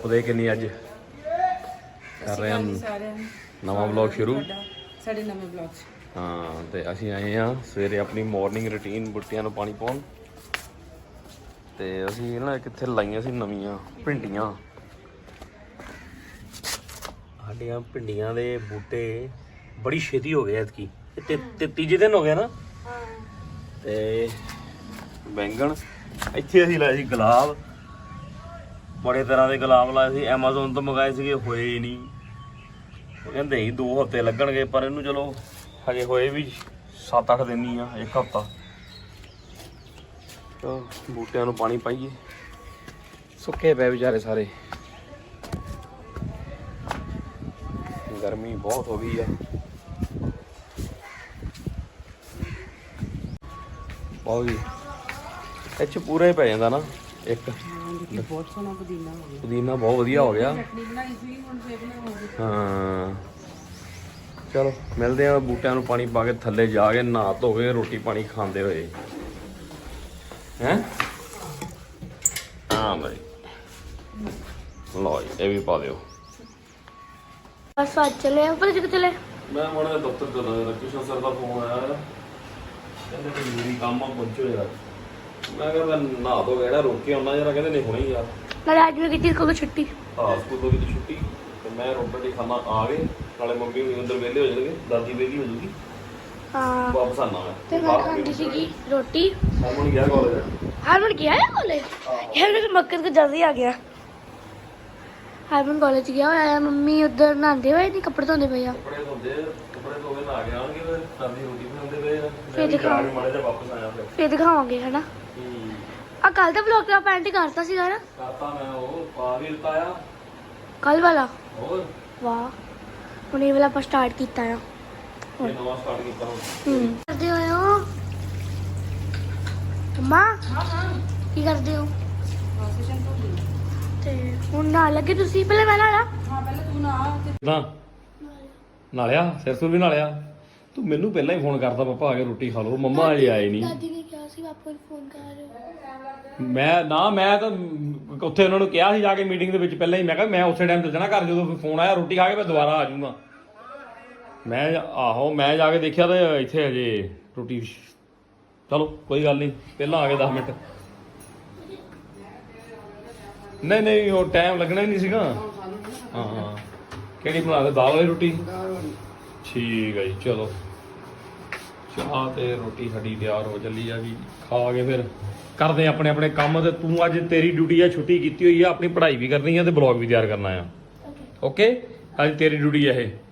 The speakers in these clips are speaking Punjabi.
ਦੇ ਕਿੰਨੀ ਅੱਜ ਕਰ ਰਹੇ ਹਾਂ ਨਵਾਂ ਵਲੌਗ ਸ਼ੁਰੂ ਸਾਡੇ ਨਵੇਂ ਵਲੌਗ 'ਚ। ਹਾਂ ਤੇ ਅਸੀਂ ਆਏ ਆ ਸਵੇਰੇ ਆਪਣੀ ਮਾਰਨਿੰਗ ਰੂਟੀਨ ਬੂਟਿਆਂ ਨੂੰ ਪਾਣੀ ਪਾਉਣ ਤੇ ਅਸੀਂ ਨਾ ਕਿੱਥੇ ਲਾਈਆਂ ਸੀ ਨਵੀਆਂ ਭਿੰਡੀਆਂ। ਸਾਡੀਆਂ ਭਿੰਡੀਆਂ ਦੇ ਬੂਟੇ ਬੜੀ ਛੇਤੀ ਹੋ ਗਏ ਐਤਕੀ ਤੇ ਤੀਜੇ ਦਿਨ ਹੋ ਗਿਆ ਨਾ। ਤੇ ਬੈਂਗਣ ਇੱਥੇ ਅਸੀਂ ਲਾਏ ਸੀ ਗੁਲਾਬ, ਬੜੇ ਤਰ੍ਹਾਂ ਦੇ ਗੁਲਾਬ ਲਾਏ ਸੀ, ਐਮਾਜ਼ੋਨ ਤੋਂ ਮੰਗਾਏ ਸੀਗੇ, ਹੋਏ ਹੀ ਨਹੀਂ। ਉਹ ਕਹਿੰਦੇ ਸੀ 2 ਹਫ਼ਤੇ ਲੱਗਣਗੇ, ਪਰ ਇਹਨੂੰ ਚਲੋ ਹਜੇ ਹੋਏ ਵੀ 7-8 ਦਿਨ ਹੀ ਆ, 1 ਹਫ਼ਤਾ। ਬੂਟਿਆਂ ਨੂੰ ਪਾਣੀ ਪਾਈਏ, ਸੁੱਕੇ ਪਏ ਵਿਚਾਰੇ ਸਾਰੇ, ਗਰਮੀ ਬਹੁਤ ਹੋ ਗਈ ਆ। ਬਹੁਤ ਹੀ ਇਹ 'ਚ ਪੂਰਾ ਹੀ ਪੈ ਜਾਂਦਾ ਨਾ ਇੱਕ। ਬਹੁਤ ਸੋਹਣਾ ਪੁਦੀਨਾ ਹੋ ਗਿਆ, ਪੁਦੀਨਾ ਬਹੁਤ ਵਧੀਆ ਹੋ ਗਿਆ। ਚਟਨੀ ਬਣਾਈ ਸੀ ਹੁਣ ਫੇਰ ਬਣਾਵਾਂਗੇ। ਹਾਂ ਚਲੋ ਮਿਲਦੇ ਆ ਬੂਟਿਆਂ ਨੂੰ ਪਾਣੀ ਪਾ ਕੇ, ਥੱਲੇ ਜਾ ਕੇ ਨਹਾ ਧੋ ਕੇ ਰੋਟੀ ਪਾਣੀ ਖਾਂਦੇ ਹੋਏ ਹੈਂ। ਹਾਂ ਬਈ ਲਓ ਜੀ, ਇਹ ਵੀ ਪਾ ਦਿਓ। ਬਸ ਅੱਜ ਚਲੇ ਉੱਪਰ ਜਿੱਕ ਚਲੇ। ਮੈਂ ਹੁਣ ਦਫ਼ਤਰ ਚੱਲਾ, ਕਿਸ਼ਨ ਸਰ ਦਾ ਫੋਨ ਆਇਆ, ਕਹਿੰਦੇ ਕਿ ਜ਼ਰੂਰੀ ਕੰਮ ਆ, ਪਹੁੰਚੋ ਯਾਰ। ਮੈਂ ਕਿਹਾ ਮੈਂ ਨਹਾ ਧੋ ਕੇ ਜਿਹੜਾ ਰੋਕ ਕੇ ਆਉਣਾ ਯਾਰ, ਕਹਿੰਦੇ ਨਹੀਂ ਹੁਣੇ ਯਾਰ। ਨਾਲੇ ਅੱਜ ਮੈਂ ਕੀਤੀ ਸਕੂਲ ਛੁੱਟੀ। ਹਾਂ ਸਕੂਲੋਂ ਵੀ ਤਾਂ ਛੁੱਟੀ, ਤੇ ਮੈਂ ਰੋਟੀ ਖਾਣਾ ਆ ਗਏ, ਨਾਲੇ ਮੰਮੀ ਹੁਣੀ ਅੰਦਰ ਵਿਹਲੇ ਹੋ ਜਾਣਗੇ, ਦਾਦੀ ਵਿਹਲੀ ਹੋ ਜੂਗੀ, ਹਾਂ ਵਾਪਸ ਆਣਾ ਮੈਂ। ਤੇ ਮੈਂ ਖਾਂਦੀ ਸੀਗੀ ਰੋਟੀ। ਹਰਮਨ ਗਿਆ ਕਾਲਜ। ਹਰਮਨ ਗਿਆ ਹੈ ਕਾਲਜ? ਯਾਰ ਮੇਰੇ ਮੱਕਰ ਤੋਂ ਜਲਦੀ ਆ ਗਿਆ। ਹਰਮਨ ਕਾਲਜ ਗਿਆ ਹੋਇਆ ਹੈ, ਮੰਮੀ ਉੱਧਰ ਨਹਾਉਂਦੇ ਹੋਏ ਨਹੀਂ, ਕੱਪੜੇ ਧੋਂਦੇ ਪਏ ਆ। ਕੱਪੜੇ ਧੋਂਦੇ ਨਹਾ ਕੇ ਆਉਣਗੇ, ਫਿਰ ਦਾਦੀ ਰੋਟੀ ਬਣਾਉਂਦੇ ਪਏ ਆ। ਫਿਰ ਦਿਖਾਵਾਂਗੇ, ਮਾੜੇ ਜਿਹਾ ਵਾਪਸ ਆਇਆ ਫਿਰ ਦਿਖਾਵਾਂਗੇ ਹਨਾ। ਆ ਕੱਲ ਦਾ ਵਲੌਗ ਦਾ ਪੈਂਟ ਕਰਤਾ ਸੀਗਾ ਨਾ। ਕਰਤਾ ਮੈਂ, ਉਹ ਪਾ ਵੀ ਦਿੱਤਾ ਆ ਕੱਲ ਵਾਲਾ। ਹੋਰ ਵਾਹ, ਹੁਣ ਇਹ ਵਾਲਾ ਆਪਾਂ ਸਟਾਰਟ ਕੀਤਾ ਆ। ਇਹ ਨਵਾਂ ਸਟਾਰਟ ਕੀਤਾ ਹੁਣ। ਕਰਦੇ ਹੋਏ ਹੋ ਮੰਮਾ? ਕੀ ਕਰਦੇ ਹੋ? ਸੈਸ਼ਨ ਤੋਂ ਲਈ ਤੇ ਹੁਣ ਨਾਲ ਲੱਗੇ ਤੁਸੀਂ? ਪਹਿਲਾਂ ਮੈਂ ਨਾਲਾ। ਹਾਂ ਪਹਿਲਾਂ ਤੂੰ ਨਾ ਤੇ ਕਿਦਾਂ ਨਾਲਿਆ, ਸਿਰ ਸੁਰ ਵੀ ਨਾਲਿਆ। ਤੂੰ ਮੈਨੂੰ ਪਹਿਲਾਂ ਹੀ ਫੋਨ ਕਰਦਾ, ਪਾਪਾ ਆ ਕੇ ਰੋਟੀ ਖਾ ਲਓ, ਮੰਮਾ ਅਜੇ ਆਏ ਨਹੀਂ। ਦਾਦੀ ਨੇ ਕਿਹਾ ਸੀ ਪਾਪਾ ਨੂੰ ਫੋਨ ਕਰ ਰਹੇ ਹੋ। ਮੈਂ ਤਾਂ ਉੱਥੇ ਉਹਨਾਂ ਨੂੰ ਕਿਹਾ ਸੀ ਜਾ ਕੇ ਮੀਟਿੰਗ ਦੇ ਵਿੱਚ ਪਹਿਲਾਂ ਹੀ। ਮੈਂ ਕਿਹਾ ਮੈਂ ਉਸੇ ਟਾਈਮ ਚੱਲ ਜਾਣਾ ਘਰ, ਜਦੋਂ ਫੋਨ ਆਇਆ ਰੋਟੀ ਖਾ ਕੇ ਮੈਂ ਦੁਬਾਰਾ ਆ ਜਾਊਂਗਾ। ਮੈਂ ਜਾ ਕੇ ਦੇਖਿਆ ਤਾਂ ਇੱਥੇ ਹਜੇ ਰੋਟੀ। ਚਲੋ ਕੋਈ ਗੱਲ ਨਹੀਂ, ਪਹਿਲਾਂ ਆ ਗਏ 10 ਮਿੰਟ। ਨਹੀਂ ਉਹ ਟਾਈਮ ਲੱਗਣਾ ਹੀ ਨਹੀਂ ਸੀਗਾ। ਹਾਂ ਕਿਹੜੀ ਬਣਾ ਦੇ, ਦਾਲ ਵਾਲੀ ਰੋਟੀ? ਠੀਕ ਹੈ ਜੀ, ਚਲੋ ਚਾਹ ਤੇ ਰੋਟੀ ਸਾਡੀ ਤਿਆਰ ਹੋ ਚੱਲੀ ਆ ਵੀ, ਖਾ ਕੇ ਫਿਰ ਕਰਦੇ ਆਪਣੇ ਆਪਣੇ ਕੰਮ। ਤੇ ਤੂੰ ਅੱਜ ਤੇਰੀ ਡਿਊਟੀ ਆ, ਛੁੱਟੀ ਕੀਤੀ ਹੋਈ ਆ, ਆਪਣੀ ਪੜ੍ਹਾਈ ਵੀ ਕਰਨੀ ਆ ਤੇ ਬਲੌਗ ਵੀ ਤਿਆਰ ਕਰਨਾ ਆ। ਓਕੇ ਅੱਜ ਤੇਰੀ ਡਿਊਟੀ ਆ ਇਹ।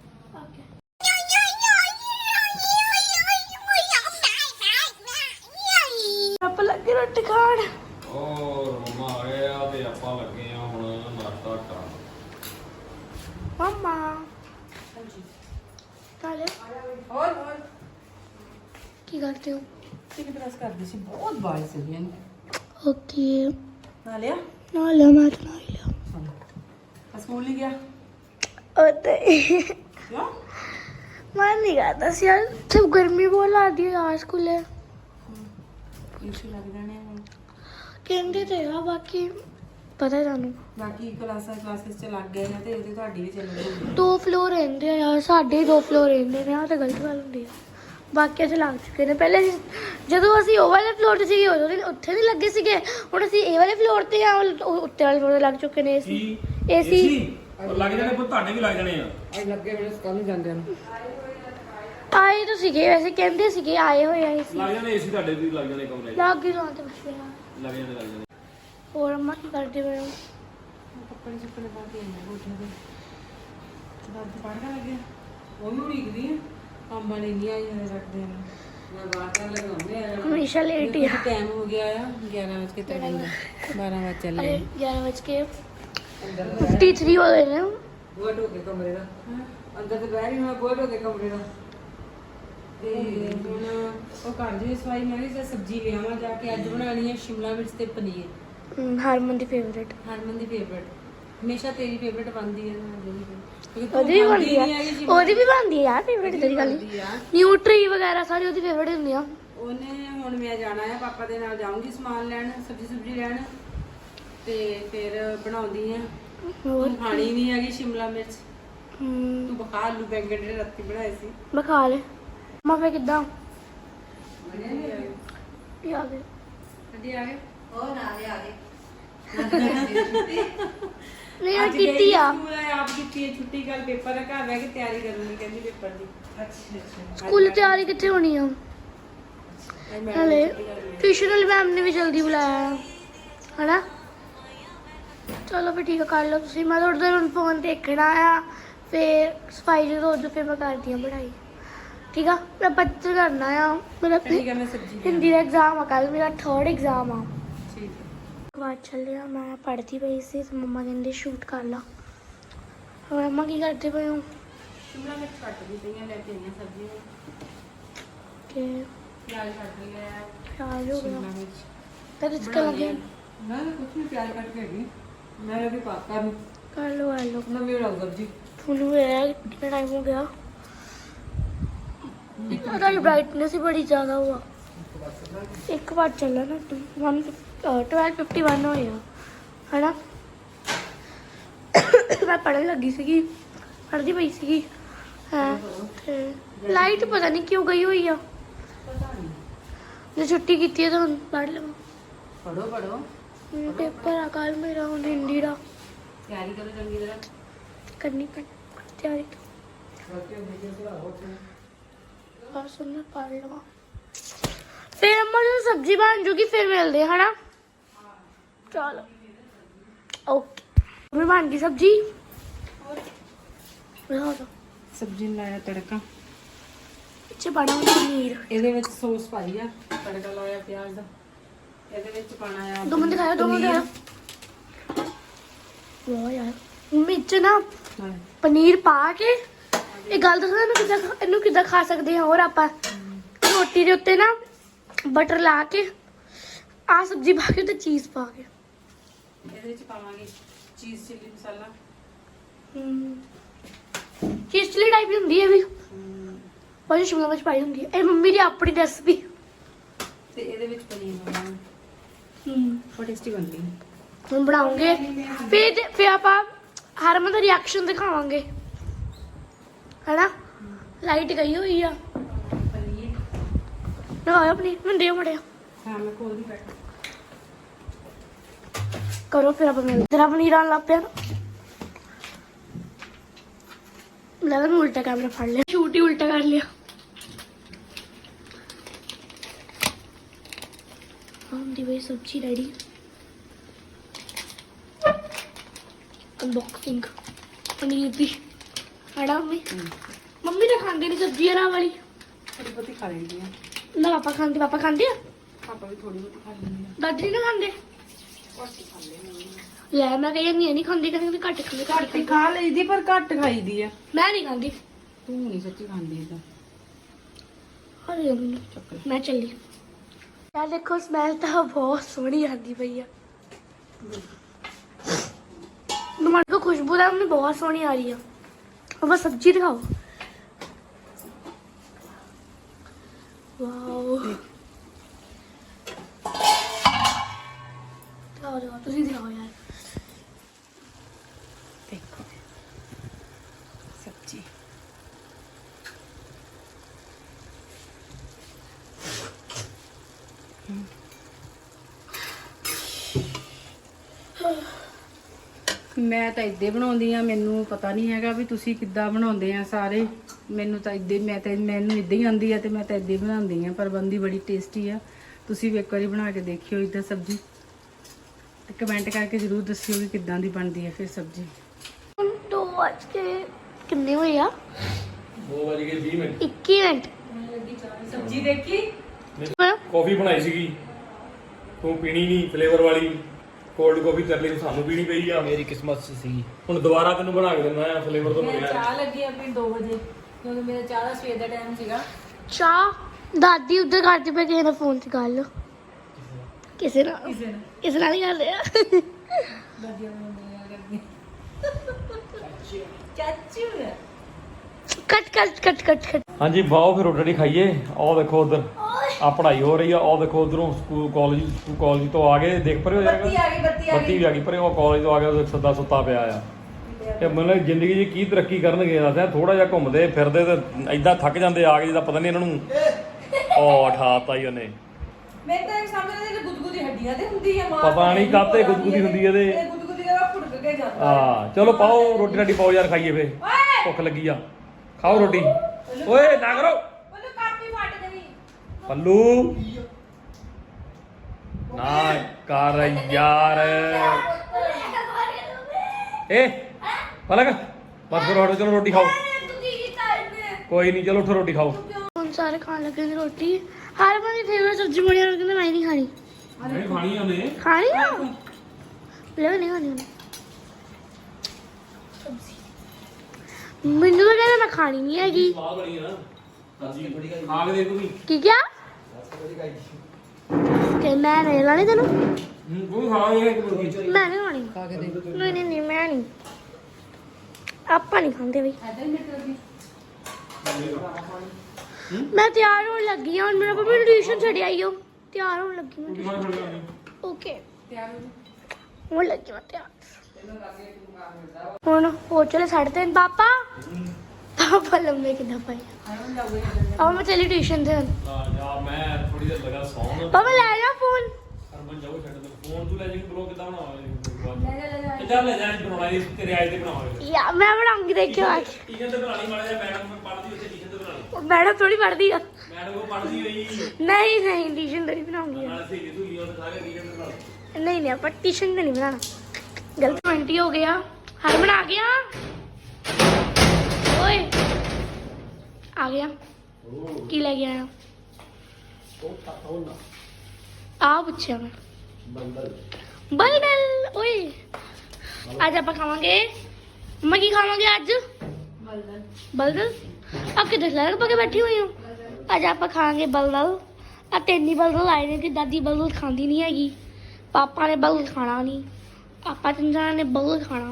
ਆਪਾਂ ਲੱਗੇ ਰੋਟੀ ਖਾਣ। ਔਰ ਮੰਮਾ ਆ ਗਏ ਆ ਤੇ ਆਪਾਂ ਲੱਗੇ ਆ ਹੁਣ ਨਾਸ਼ਤਾ ਕਰਨ। ਮੰਮਾ ਹਾਂਜੀ ਕਾਲੇ ਹੋਰ ਕੀ ਕਰਦੇ ਹੋ? ਠੀਕ ਪ੍ਰੈਸ ਕਰਦੀ ਸੀ, ਬਹੁਤ ਬਾਲ ਸੀਗੀਆਂ। ਓਕੇ ਨਾ ਲਿਆ ਨਾ ਲਿਆ, ਮੈਂ ਤਾਂ ਨਾ ਲਿਆ। ਸਕੂਲ ਨਹੀਂ ਗਿਆ ਉਹਤੇ ਕਿਉਂ? ਮਨ ਨਹੀਂ ਕਰਦਾ ਸੀ ਯਾਰ, ਸਭ ਗਰਮੀ ਬਹੁਤ ਲੱਗਦੀ ਹੈ ਯਾਰ ਸਕੂਲੇ। ਇਸ਼ੂ ਲੱਗ ਜਾਣੇ ਹੁਣ। ਕਹਿੰਦੇ ਤੇ ਆ, ਬਾਕੀ ਪਤਾ ਤੁਹਾਨੂੰ ਬਾਕੀ ਕਲਾਸਿਸ ਚ ਲੱਗ ਗਏ ਨੇ ਤੇ ਉਹਦੇ ਤੁਹਾਡੀ ਵੀ ਚੱਲ ਰਹੀ 2 ਫਲੋਰ ਰਹਿੰਦੇ ਆ ਯਾਰ, ਸਾਡੇ 2 ਫਲੋਰ ਰਹਿੰਦੇ ਨੇ। ਆ ਤਾਂ ਗਲਤ ਗੱਲ ਹੁੰਦੀ ਆ। ਬਾਕੀ ਅਸੀਂ ਲੱਗ ਚੁੱਕੇ ਨੇ ਪਹਿਲੇ। ਜਦੋਂ ਅਸੀਂ ਉਹ ਵਾਲੇ ਫਲੋਰ ਤੇ ਸੀਗੇ ਉਦੋਂ ਉੱਥੇ ਨਹੀਂ ਲੱਗੇ ਸੀਗੇ, ਹੁਣ ਅਸੀਂ ਇਹ ਵਾਲੇ ਫਲੋਰ ਤੇ ਆ, ਉੱਤੇ ਵਾਲੇ ਫਲੋਰ ਤੇ ਲੱਗ ਚੁੱਕੇ ਨੇ ਏਸੀ। ਲੱਗ ਜਾਣੇ, ਪਰ ਤੁਹਾਡੇ ਵੀ ਲੱਗ ਜਾਣੇ ਆ। ਅੱਜ ਲੱਗੇ ਵੇਲੇ ਕੱਲ ਨੂੰ ਜਾਂਦੇ ਨੇ। ਆਏ ਤਾਂ ਸੀਗੇ, ਵੈਸੇ ਕਹਿੰਦੇ ਸੀਗੇ ਆਏ ਹੋਏ ਆ ਏਸੀ। ਲੱਗ ਜਾਣੇ ਏਸੀ, ਤੁਹਾਡੇ ਵੀ ਲੱਗ ਜਾਣੇ ਕਮਰੇ ਲੱਗ ਹੀ ਜਾਂਦੇ ਬੱਚੇ ਆ। ਲੱਗ ਜਾਣੇ। ਹੋਰ ਅੰਮਾ ਕੀ ਕਰਦੇ ਪਏ ਹੋ? ਕੱਪੜੇ ਸੁੱਕਣੇ ਪਾ ਕੇ ਆਏ ਕੋਠੇ ਤੇ। ਦਾਦੀ ਪੜ੍ਹਨ ਲੱਗੇ, ਉਹ ਵੀ ਉਡੀਕਦੀ ਆ। ਕੰਮ ਵਾਲੇ ਨਹੀਂ ਆਈ ਹਲੇ ਰੱਖਦੇ ਨੇ। ਮੈਂ ਬਾਹਰ ਲਗਾਉਂਦੇ ਆ। ਹਮੇਸ਼ਾ ਲੇਟ ਹੀ ਆ। ਟਾਈਮ ਹੋ ਗਿਆ ਆ 11:53 ਦਾ, 12 ਵਜੇ ਚੱਲੇ। ਅਰੇ 11:53 ਹੋ ਗਏ ਨੇ। ਬੂਹਾ ਢੋ ਕੇ ਕਮਰੇ ਦਾ ਅੰਦਰ ਤੇ ਬਹਿ ਰਹੀ ਮੈਂ, ਬੂਹਾ ਢੋ ਕੇ ਕਮਰੇ ਦਾ। ਤੇ ਹੁਣ ਉਹ ਘਰ ਦੀ ਸਫਾਈ ਮੈਂ ਵੀ ਸਬਜ਼ੀ ਲਿਆਵਾਂ ਜਾ ਕੇ। ਅੱਜ ਬਣਾਉਣੀ ਹੈ ਸ਼ਿਮਲਾ ਮਿਰਚ ਤੇ ਪਨੀਰ। ਹਰਮਨ ਦੀ ਫੇਵਰੇਟ। ਹਰਮਨ ਦੀ ਫੇਵਰੇਟ, ਹਮੇਸ਼ਾ ਤੇਰੀ ਫੇਵਰੇਟ ਬਣਦੀ ਹੈ ਨਾ। ਉਹਦੀ ਵੀ ਬਣਦੀ ਆ, ਉਹਦੀ ਵੀ ਬਣਦੀ ਆ ਯਾਰ ਫੇਵਰੇਟ। ਤੇਰੀ ਗੱਲ ਨਿਊਟਰੀ ਵਗੈਰਾ ਸਾਰੀ ਉਹਦੀ ਫੇਵਰੇਟ ਹੁੰਦੀ ਆ। ਉਹਨੇ ਹੁਣ ਮੈਂ ਜਾਣਾ ਹੈ ਪਾਪਾ ਦੇ ਨਾਲ, ਜਾਊਂਗੀ ਸਮਾਨ ਲੈਣ, ਸਬਜ਼ੀ ਲੈਣ, ਤੇ ਫਿਰ ਬਣਾਉਂਦੀ ਆ ਹੋਰ ਖਾਣੀ ਨਹੀਂ ਹੈਗੀ ਸ਼ਿਮਲਾ ਮਿਰਚ ਹਮ, ਤੂੰ ਬਖਾ ਆਲੂ ਬੈਂਗਣ ਜਿਹੜੇ ਰਾਤੀ ਬਣਾਏ ਸੀ ਮੈਂ ਖਾ ਲੇ ਮਾਫੇ ਕਿੱਦਾਂ ਵਧੀਆ ਨਹੀਂ ਆਏ ਕੀ ਆ ਗਏ ਕਦੀ ਆ ਗਏ ਨਹੀਂ ਯਾਰ ਕੀਤੀ ਆ ਸਕੂਲ ਆਪ ਕੀਤੀ ਹੈ ਛੁੱਟੀ ਕੱਲ ਪੇਪਰ ਹੈ ਘਰ ਬਹਿ ਕੇ ਤਿਆਰੀ ਕਰੂੰਗੀ ਕਹਿੰਦੀ ਪੇਪਰ ਦੀ ਸਕੂਲ ਤਿਆਰੀ ਕਿੱਥੇ ਹੋਣੀ ਆ ਹਲੇ ਟਿਊਸ਼ਨ ਵਾਲੀ ਮੈਮ ਨੇ ਵੀ ਜਲਦੀ ਬੁਲਾਇਆ ਹਨਾ ਚਲੋ ਫਿਰ ਠੀਕ ਆ ਕਰ ਲਓ ਤੁਸੀਂ ਮੈਂ ਥੋੜੀ ਦੇਰ ਫੋਨ ਦੇਖਣਾ ਆ ਫਿਰ ਸਫਾਈ ਜਦੋਂ ਉਦੋਂ ਫਿਰ ਮੈਂ ਕਰਦੀ ਹਾਂ ਪੜ੍ਹਾਈ ਠੀਕ ਆ ਮੈਂ ਬੱਚੇ ਕਰਨਾ ਆ ਮੇਰਾ ਠੀਕ ਹੈ ਮੈਂ ਸਬਜ਼ੀ ਹਿੰਦੀ ਦਾ ਐਗਜ਼ਾਮ ਆ ਕੱਲ ਮੇਰਾ 3rd ਐਗਜ਼ਾਮ ਆ ਠੀਕ ਹੈ ਬਾਅਦ ਚੱਲਿਆ ਮੈਂ ਪੜ੍ਹਦੀ ਪਈ ਸੀ ਤੇ ਮੰਮਾ ਕਹਿੰਦੇ ਸ਼ੂਟ ਕਰ ਲਾ ਹੋਰ ਮੰਮਾ ਕੀ ਕਰਦੇ ਪਏ ਹੋ ਸ਼ਿਮਲਾ ਮਿਰਚ ਕੱਟ ਦੀ ਪਈਆਂ ਲੈ ਕੇ ਆਈਆਂ ਸਬਜ਼ੀਆਂ ਕਿ ਪਿਆਜ਼ ਕੱਟ ਲਿਆ ਹੈ ਪਿਆਜ਼ ਹੋ ਗਿਆ ਸ਼ਿਮਲਾ ਮਿਰਚ ਤਾਂ ਇਸ ਕਰ ਲਗੇ ਨਾ ਕੁਝ ਨਹੀਂ ਪਿਆਜ਼ ਕੱਟ ਕੇ ਹੈਗੀ ਮੈਂ ਵੀ ਪਾਤਾ ਨੂੰ ਕਰ ਲਓ ਆ ਲਓ ਨਵੀਂ ਬਣਾਉ ਸਬਜ਼ੀ ਤੁਹਾਨੂੰ ਇਹ ਕਿੰਨਾ ਟਾਈਮ ਹੋ ਗਿਆ ਉਹਦਾ ਬ੍ਰਾਈਟਨੈਸ ਹੀ ਬੜੀ ਜ਼ਿਆਦਾ ਹੁਆ ਇੱਕ ਵਾਰ ਚੱਲਾ ਨਾ 12:51 ਹੋਇਆ ਹਨਾ ਮੈਂ ਪੜ੍ਹਨ ਲੱਗੀ ਸੀਗੀ ਪੜ੍ਹਦੀ ਪਈ ਸੀਗੀ ਹਾਂ ਤੇ ਲਾਈਟ ਪਤਾ ਨਹੀਂ ਕਿਉਂ ਗਈ ਹੋਈ ਆ ਪਤਾ ਨਹੀਂ ਜੇ ਛੁੱਟੀ ਕੀਤੀ ਹੈ ਤਾਂ ਹੁਣ ਪੜ੍ਹ ਲਵਾਂ ਪੜੋ ਪੇਪਰ ਆ ਕੱਲ ਮੇਰਾ ਹੁਣ ਹਿੰਦੀ ਦਾ ਤਿਆਰੀ ਕਰੋ ਚੰਗੀ ਤਰ੍ਹਾਂ ਕਰਨੀ ਪੈਣੀ ਤਿਆਰੀ ਬਸ ਉਹਨੇ ਪੜ੍ਹ ਲਵਾਂ ਫਿਰ ਅੰਮਾ ਜਦੋਂ ਸਬਜ਼ੀ ਬਣ ਜੂਗੀ ਫਿਰ ਮਿਲਦੇ ਹਾਂ ਹਨਾ ਚਲੋ ਓਕੇ ਮੈਂ ਬਣ ਗਈ ਸਬਜ਼ੀ ਦਿਖਾ ਦੋ ਸਬਜ਼ੀ ਨੂੰ ਲਾਇਆ ਤੜਕਾ ਇੱਥੇ ਪਾਣਾ ਪਨੀਰ ਇਹਦੇ ਵਿੱਚ ਸੌਸ ਪਾਈ ਆ ਤੜਕਾ ਲਾਇਆ ਪਿਆਜ਼ ਦਾ ਇਹਦੇ ਵਿੱਚ ਪਾਣਾ ਆ ਦੋ ਮਿੰਟ ਖਾਇਆ 2 ਮਿੰਟ ਖਾਇਆ ਵਾਹ ਯਾਰ ਮਿਰਚ ਨਾ ਪਨੀਰ ਪਾ ਕੇ ਇਹ ਗੱਲ ਦੱਸਣਾ ਇਹਨੂੰ ਕਿੱਦਾਂ ਖਾ ਸਕਦੇ ਹਾਂ ਹੋਰ ਆਪਾਂ ਰੋਟੀ ਦੇ ਉੱਤੇ ਨਾ ਬਟਰ ਲਾ ਕੇ ਆ ਸਬਜ਼ੀ ਪਾ ਕੇ ਤੇ ਚੀਜ਼ ਪਾ ਕੇ ਇਹਦੇ ਵਿੱਚ ਪਾਵਾਂਗੇ ਚੀਜ਼ ਚਿੱਲੀ ਮਸਾਲਾ ਚੀਜ਼ ਚਿੱਲੀ ਟਾਈਪ ਦੀ ਹੁੰਦੀ ਹੈ ਵੀ ਉਹ ਸ਼ਿਮਲਾ ਮਿਰਚ ਪਾਈ ਹੁੰਦੀ ਹੈ ਇਹ ਮੰਮੀ ਦੀ ਆਪਣੀ ਰੈਸਪੀ ਤੇ ਇਹਦੇ ਵਿੱਚ ਪਨੀਰ ਪਾਵਾਂਗੇ ਬਹੁਤ ਟੇਸਟੀ ਬਣਦੀ ਹੈ ਹੁਣ ਬਣਾਉਂਗੇ ਫਿਰ ਆਪਾਂ ਹਰਮਨ ਦਾ ਰਿਐਕਸ਼ਨ ਦਿਖਾਵਾਂਗੇ ਹੈਨਾ ਲਾਈਟ ਗਈ ਹੋਈ ਆ ਪਨੀਰ ਲਗਾਓ ਆਪਣੀ ਮੈਨੂੰ ਦਿਓ ਮੜਿਆ ਹਾਂ ਮੈਂ ਕੋਲ ਦੀ ਬੈਠ ਕਰੋ ਫਿਰ ਆਪਾਂ ਮਿਲਦੇ ਤੇਰਾ ਪਨੀਰ ਆਣ ਲੱਗ ਪਿਆ ਲੈ ਮੈਂ ਉਲਟਾ ਕੈਮਰਾ ਫੜ ਲਿਆ ਸ਼ੂਟ ਹੀ ਉਲਟਾ ਕਰ ਲਿਆ ਦੀ ਵੇ ਸਬਜ਼ੀ ਰੈਡੀ ਅਨਬਾਕਸਿੰਗ ਪਨੀਰ ਦੀ ਹੜਾ ਮੰਮੀ ਤਾਂ ਖਾਂਦੇ ਨਹੀਂ ਸਬਜ਼ੀ ਹਰਾ ਵਾਲੀ ਥੋੜੀ ਬਹੁਤੀ ਖਾ ਲੈਂਦੀ ਆ ਨਾ ਪਾਪਾ ਖਾਂਦੇ ਆ ਪਾਪਾ ਵੀ ਥੋੜੀ ਬਹੁਤੀ ਖਾ ਲੈਂਦੀ ਆ ਦਾਦੀ ਨਹੀਂ ਖਾਂਦੇ ਘੱਟ ਹੀ ਖਾਂਦੇ ਨੇ ਲੈ ਮੈਂ ਕਹਿੰਦੀ ਨਹੀਂ ਖਾਂਦੀ ਕਹਿੰਦੀ ਘੱਟ ਖਾਂਦੇ ਘੱਟ ਹੀ ਖਾ ਲਈਦੀ ਪਰ ਘੱਟ ਖਾਈਦੀ ਆ ਮੈਂ ਨਹੀਂ ਖਾਂਦੀ ਤੂੰ ਨਹੀਂ ਸੱਚੀ ਖਾਂਦੀ ਇਦਾਂ ਅਰੇ ਮੈਨੂੰ ਚੱਕਰ ਮੈਂ ਚੱਲੀ ਯਾਰ ਦੇਖੋ ਸਮੈਲ ਤਾਂ ਬਹੁਤ ਸੋਹਣੀ ਆਉਂਦੀ ਪਈ ਆ टमाटर को खुशबू है हमें बहुत सोहनी आ रही है और बस सब्जी दिखाओ वाओ दिखाओ तुसी दिखाओ यार देखो सब्जी ਮੈਂ ਤਾਂ ਇੱਦੇ ਬਣਾਉਂਦੀ ਆ ਮੈਨੂੰ ਪਤਾ ਨਹੀਂ ਹੈਗਾ ਵੀ ਤੁਸੀਂ ਕਿੱਦਾਂ ਬਣਾਉਂਦੇ ਆ ਸਾਰੇ ਮੈਨੂੰ ਤਾਂ ਇੱਦੇ ਮੈਨੂੰ ਇੱਦਾਂ ਹੀ ਆਉਂਦੀ ਆ ਤੇ ਮੈਂ ਤਾਂ ਇੱਦੇ ਬਣਾਉਂਦੀ ਆ ਪਰ ਬੰਦੀ ਬੜੀ ਟੇਸਟੀ ਆ ਤੁਸੀਂ ਵੀ ਇੱਕ ਵਾਰੀ ਬਣਾ ਕੇ ਦੇਖਿਓ ਇੱਦਾਂ ਸਬਜ਼ੀ ਤੇ ਕਮੈਂਟ ਕਰਕੇ ਜ਼ਰੂਰ ਦੱਸਿਓ ਕਿ ਕਿੱਦਾਂ ਦੀ ਬਣਦੀ ਹੈ ਫਿਰ ਸਬਜ਼ੀ 2 बज के कितने हुए यार 2:20 ਮਿੰਟ 21 मिनट ਸਬਜ਼ੀ ਦੇਖੀ ਕਾਫੀ ਬਣਾਈ ਸੀਗੀ ਤੂੰ ਪੀਣੀ ਨਹੀਂ ਫਲੇਵਰ ਵਾਲੀ ਕੋਲਡ ਕਾਫੀ ਕਰ ਲਈ ਸਾਨੂੰ ਪੀਣੀ ਪਈ ਆ ਮੇਰੀ ਕਿਸਮਤ ਚ ਸੀ ਹੁਣ ਦੁਬਾਰਾ ਤੈਨੂੰ ਬਣਾ ਕੇ ਦਿੰਦਾ ਆ ਫਲੇਵਰ ਤੋਂ ਮੈਂ ਬਗੈਰ ਚਾਹ ਲੱਗੀ ਆਪਣੀ 2 ਵਜੇ ਕਿਉਂਕਿ ਮੇਰਾ ਚਾਹ ਦਾ ਸਵੇਰ ਦਾ ਟਾਈਮ ਸੀਗਾ चाह दादी उधर करती पे किसी ने फोन से गल किसी ना किसी नाल ही कर रहे हैं ਦਾਦੀਆਂ ਨੂੰ ਨਹੀਂ ਕਰਦੀ ਚਾਚੂ cut cut cut cut cut ਹਾਂਜੀ ਬਾਓ ਫਿਰ ਰੋਟੀ ਖਾਈਏ ਆਹ ਦੇਖੋ ਉਧਰ ਆ ਪੜ੍ਹਾਈ ਹੋ ਰਹੀ ਆ। ਉਹ ਦੇਖੋ ਉਧਰੋਂ ਸਕੂਲ ਕਾਲਜ ਤੋਂ ਆ ਗਏ, ਦੇਖ ਪਰੇ ਹੋ ਬੱਤੀ ਜਾਏਗਾ, ਆ ਗਈ, ਬੱਤੀ ਆ ਬੱਤੀ ਗਈ। ਵੀ ਆ ਗਈ ਪਰੇ। ਉਹ ਕਾਲਜ ਤੋਂ ਆ ਗਿਆ, ਉਹ ਸੱਦਾ ਸੁੱਤਾ ਪਿਆ ਆ। ਇਹ ਮਤਲਬ ਜ਼ਿੰਦਗੀ 'ਚ ਕੀ ਤਰੱਕੀ ਕਰਨਗੇ ਦੱਸਿਆ। ਥੋੜਾ ਜਿਹਾ ਘੁੰਮਦੇ ਫਿਰਦੇ ਤੇ ਐਦਾਂ ਥੱਕ ਜਾਂਦੇ ਆ ਕੇ, ਜਿੱਦਾਂ ਪਤਾ ਨਹੀਂ ਇਹਨਾਂ ਨੂੰ ਉਹ ਉਠਾਤਾ ਹੀ ਉਹਨੇ। ਮੈਂ ਤਾਂ ਸਮਝਦਾ ਕਿ ਗੁਦਗੁਦੀ ਹੱਡੀਆਂ ਤੇ ਹੁੰਦੀ ਹੈ ਮਾਂ, ਪਤਾ ਨਹੀਂ ਕਾਹਤੇ ਗੁਦਗੁਦੀ ਹੁੰਦੀ ਇਹਦੇ। ਇਹ ਗੁਦਗੁਦੀ ਦਾ ਫੁੜਕ ਕੇ ਜਾਂਦਾ ਹਾਂ ਚਲੋ ਪਾਓ ਰੋਟੀ ਰਾਟੀ ਪਾਓ ਯਾਰ, ਖਾਈਏ ਫੇ, ਭੁੱਖ ਲੱਗੀ ਆ, ਖਾਓ ਰੋਟੀ। ਓਏ ਨਾ ਕਰੋ ਉਹਨੂੰ ਕਾਪੀ ਫਟ ਗਈ। ਪੱਲੂ, ਨਾ ਕਰ ਯਾਰ। ਏ ਪਲਕ ਬਸ ਕਰੋ, ਹਟੋ, ਚਲੋ ਰੋਟੀ ਖਾਓ। ਕੋਈ ਨਹੀਂ ਚਲੋ ਉੱਠੋ ਰੋਟੀ ਖਾਓ। ਹੁਣ ਸਾਰੇ ਖਾਣ ਲੱਗੇ ਨੇ ਰੋਟੀ। ਹਰ ਵਾਰੀ ਫੇਵਰਟ ਸਬਜ਼ੀ ਬਣੀ ਆ, ਕਹਿੰਦੇ ਮੈਂ ਨਹੀਂ ਖਾਣੀ। ਨਹੀਂ ਖਾਣੀ ਉਹਨੇ, ਖਾਣੀ ਆ ਲੈ ਨਹੀਂ ਖਾਣੀ ਉਹਨੇ। ਮੈਨੂੰ ਤਾਂ ਕਹਿੰਦਾ ਮੈਂ ਖਾਣੀ ਨਹੀਂ ਹੈਗੀ। ਸਵਾਦ ਬਣੀ ਆ ਨਾ ਸਬਜ਼ੀ, ਖਾ ਕੇ ਦੇਖ ਤੂੰ ਵੀ। ਕੀ ਕਿਹਾ ਕਿ ਮੈਂ ਨਹੀਂ ਲਾਣੀ ਤੈਨੂੰ? ਤੂੰ ਖਾ ਇਹ ਮੁਰਗੀ। ਮੈਂ ਨਹੀਂ ਖਾਣੀ। ਖਾ ਕੇ ਦੇਖ। ਨਹੀਂ ਨਹੀਂ ਨਹੀਂ ਮੈਂ ਨਹੀਂ, ਆਪਾਂ ਨਹੀਂ ਖਾਂਦੇ ਬਈ। ਐਦਾਂ ਹੀ ਮਿੱਟ ਲੱਗੀ। ਮੈਂ ਤਿਆਰ ਹੋਣ ਲੱਗੀ ਹਾਂ ਹੁਣ। ਮੇਰਾ ਪਾਪਾ ਟਿਊਸ਼ਨ ਛੱਡ ਆਈ ਹੋ। ਤਿਆਰ ਹੋਣ ਲੱਗੀ ਮੈਂ। ਓਕੇ ਤਿਆਰ ਹੋ ਹੋਣ ਲੱਗੀ ਮੈਂ ਤਿਆਰ। ਹੁਣ ਹੋ ਚਲੇ 3:30 ਪਾਪਾ। ਪਾਪਾ ਲੰਮੇ ਕਿੱਦਾਂ ਪਏ ਆਉਣ ਲੱਗੇ। ਆ ਮੈਂ ਚਲੀ ਟਿਊਸ਼ਨ ਤੇ ਹੁਣ। ਜਾ ਮੈਂ ਥੋੜੀ ਦੇਰ ਲਗਾ ਸੌਣ। ਪਾਪਾ ਲੈ ਜਾ ਫੋਨ। ਹਰਮਨ ਜਾਓ ਛੱਡ ਦੇ ਫੋਨ, ਤੂੰ ਲੈ ਜੀ ਬਲੌਗ ਕਿੱਦਾਂ ਬਣਾਵਾਂਗੇ? ਲੈ ਚੱਲ ਲੈ ਜਾ ਬਣਾਉਣਾ ਇਹ ਤੇਰੇ ਆਏ ਤੇ ਬਣਾਵਾਂਗੇ। ਯਾ ਮੈਂ ਬਣਾਉਂਗੀ, ਦੇਖਿਓ ਅੱਜ। ਟੀਚਰ ਤੇ ਬਣਾਣੀ ਮਾੜਾ ਜਿਹਾ, ਮੈਡਮ ਪੜ੍ਹਦੀ ਉੱਥੇ ਟੀਚਰ ਤੇ ਬਣਾਣੀ। ਮੈਡਮ ਥੋੜੀ ਪੜਦੀ ਆ। ਮੈਡਮ ਉਹ ਪੜ੍ਹਦੀ ਹੋਈ ਨਹੀਂ ਨਹੀਂ ਟਿਊਸ਼ਨ ਤੇ ਨਹੀਂ ਬਣਾਉਂਗੀ। ਨਾਲ ਸਹੀ ਤੂੰ ਉਹ ਸਾਰੇ ਟੀਚਰ ਤੇ ਬਣਾ। ਨਹੀਂ ਨਹੀਂ ਆਪਾਂ ਟਿਊਸ਼ਨ ਤੇ ਨਹੀਂ ਬਣਾਉਣਾ। ਗਲਤ 20 ਹੋ ਗਿਆ। ਹਰਮਨ ਆ ਗਿਆ। ਓਏ ਆ ਗਿਆ। ਕੀ ਲੈ ਕੇ ਆਇਆ? ਆ ਪੁੱਛਿਆ ਮੈਂ। ਬਲਦਲ। ਓਏ ਅੱਜ ਆਪਾਂ ਖਾਵਾਂਗੇ, ਮੈਂ ਕੀ ਖਾਵਾਂਗੇ ਅੱਜ? ਬਲਦਲ। ਬਲਦਲ ਆ ਕਿੱਥੇ ਲੜ ਪਾ ਕੇ ਬੈਠੀ ਹੋਈ ਹਾਂ। ਅੱਜ ਆਪਾਂ ਖਾਵਾਂਗੇ ਬਲਦਲ। ਆ ਤੈਨੀ ਬਲਦਲ ਆਏ ਨੇ ਕਿ ਦਾਦੀ ਬਲਦਲ ਖਾਂਦੀ ਨਹੀਂ ਹੈਗੀ। ਪਾਪਾ ਨੇ ਬਲਦਲ ਖਾਣਾ ਨਹੀਂ, ਆਪਾਂ ਤਿੰਨਾਂ ਨੇ ਬਲਦਲ ਖਾਣਾ।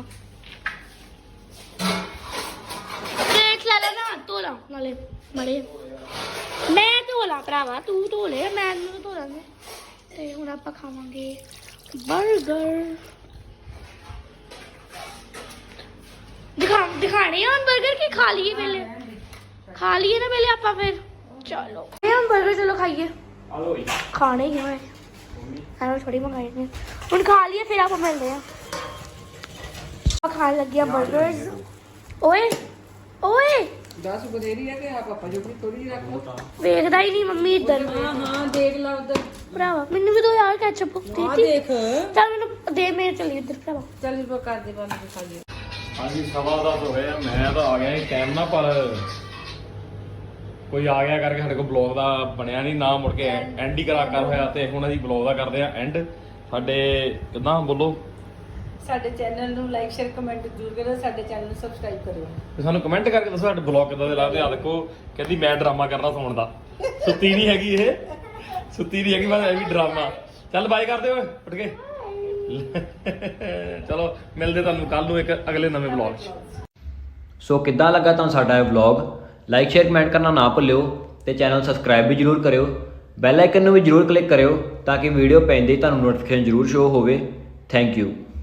ਪਲੇਟ ਲੈ ਲੈਣਾ, ਧੋ ਲਾ ਨਾਲੇ ਮੜੇ। ਮੈਂ ਧੋ ਲਾ ਭਰਾਵਾ, ਤੂੰ ਧੋ ਲੈ, ਮੈਂ ਨੂੰ ਧੋ ਲਾਂਗੇ। ਤੇ ਹੁਣ ਆਪਾਂ ਖਾਵਾਂਗੇ ਬਰਗਰ। ਦਿਖਾਣੇ ਆ ਹੁਣ ਬਰਗਰ ਕੀ ਖਾ ਲਈਏ ਪਹਿਲੇ? ਖਾ ਲਈਏ ਨਾ ਪਹਿਲੇ ਆਪਾਂ, ਫਿਰ ਚਲੋ ਇਹ ਹੁਣ ਬਰਗਰ ਚਲੋ ਖਾਈਏ। ਆ ਲੋ ਖਾਣੇ ਹੀ ਹੋਏ ਐਵੇਂ ਥੋੜੀ ਮੰਗਾਏ ਨੇ। ਹੁਣ ਖਾ ਲਈਏ ਫਿਰ ਆਪਾਂ ਮਿਲਦੇ ਆ। ਆਪਾਂ ਖਾਣ ਲੱਗੇ ਆ ਬਰਗਰਸ। ਓਏ ਓਏ 10 ਬਥੇਰੀ ਹੈ ਕਿ ਆ ਪਾਪਾ ਜੋ ਥੋੜੀ ਜਿਹੀ ਰੱਖ ਲਓ। ਵੇਖਦਾ ਹੀ ਨਹੀਂ ਮੰਮੀ ਇੱਧਰ। ਹਾਂ ਹਾਂ ਦੇਖ ਲਾ ਉਧਰ। ਭਰਾਵਾ ਮੈਨੂੰ ਵੀ ਦੋ ਯਾਰ ਕੈਚਅਪ ਆ ਦੇ। ਦੇਖ। ਚੱਲ ਮੈਨੂੰ ਦੇ, ਮੇਰੇ ਚੱਲੀ ਇੱਧਰ ਭਰਾਵਾ। ਚੱਲ ਇਸ ਕਰ ਦੇ ਬੰਦ ਖਾ ਲਈ। ਹਾਂਜੀ 10:15 ਹੋ ਗਏ ਆ। ਮੈਂ ਤਾਂ ਆ ਗਿਆ ਸੀ ਟਾਈਮ ਨਾਲ, ਪਰ ਕੋਈ ਆ ਗਿਆ ਕਰਕੇ ਸਾਡੇ ਕੋਲ ਬਲੌਗ ਦਾ ਬਣਿਆ ਨਹੀਂ ਨਾ, ਮੁੜ ਕੇ ਐਂਡ ਹੀ ਕਰ ਹੋਇਆ। ਤੇ ਹੁਣ ਅਸੀਂ ਬਲੌਗ ਦਾ ਕਰਦੇ ਆ ਐਂਡ। ਸਾਡੇ ਕਿੱਦਾਂ ਬੋਲੋ, ਸਾਡੇ ਚੈਨਲ ਨੂੰ ਲਾਈਕ ਸ਼ੇਅਰ ਕਮੈਂਟ ਜ਼ਰੂਰ ਕਰੋ। ਸਾਡੇ ਚੈਨਲ ਨੂੰ ਸਬਸਕ੍ਰਾਈਬ ਕਰਿਓ। ਤੇ ਸਾਨੂੰ ਕਮੈਂਟ ਕਰਕੇ ਦੱਸੋ ਸਾਡੇ ਬਲੌਗ ਕਿੱਦਾਂ ਦੇ ਲੱਗਦੇ ਆ। ਦੇਖੋ ਕਹਿੰਦੀ ਮੈਂ ਡਰਾਮਾ ਕਰਨਾ ਸੌਣ ਦਾ। ਸੁੱਤੀ ਨਹੀਂ ਹੈਗੀ ਇਹ, ਸੁੱਤੀ ਨਹੀਂ ਹੈਗੀ, ਬਸ ਇਹ ਵੀ ਡਰਾਮਾ। ਚੱਲ ਬਾਏ ਕਰਦੇ ਓਏ ਉੱਠ ਕੇ। ਚਲੋ ਮਿਲਦੇ ਤੁਹਾਨੂੰ ਕੱਲ ਨੂੰ ਇੱਕ ਅਗਲੇ ਨਵੇਂ ਬਲੌਗ 'ਚ। ਸੋ ਕਿੱਦਾਂ ਲੱਗਾ ਤੁਹਾਨੂੰ ਸਾਡਾ ਇਹ ਵਲੌਗ? ਲਾਈਕ ਸ਼ੇਅਰ ਕਮੈਂਟ ਕਰਨਾ ਨਾ ਭੁੱਲਿਓ ਤੇ ਚੈਨਲ ਸਬਸਕ੍ਰਾਈਬ ਵੀ ਜਰੂਰ ਕਰਿਓ। ਬੈਲ ਆਈਕਨ ਨੂੰ ਵੀ ਜਰੂਰ ਕਲਿੱਕ ਕਰਿਓ ਤਾਂ ਕਿ ਵੀਡੀਓ ਪੈਂਦੇ ਹੀ ਤੁਹਾਨੂੰ ਨੋਟੀਫਿਕੇਸ਼ਨ ਜਰੂਰ ਸ਼ੋ ਹੋਵੇ। Thank you.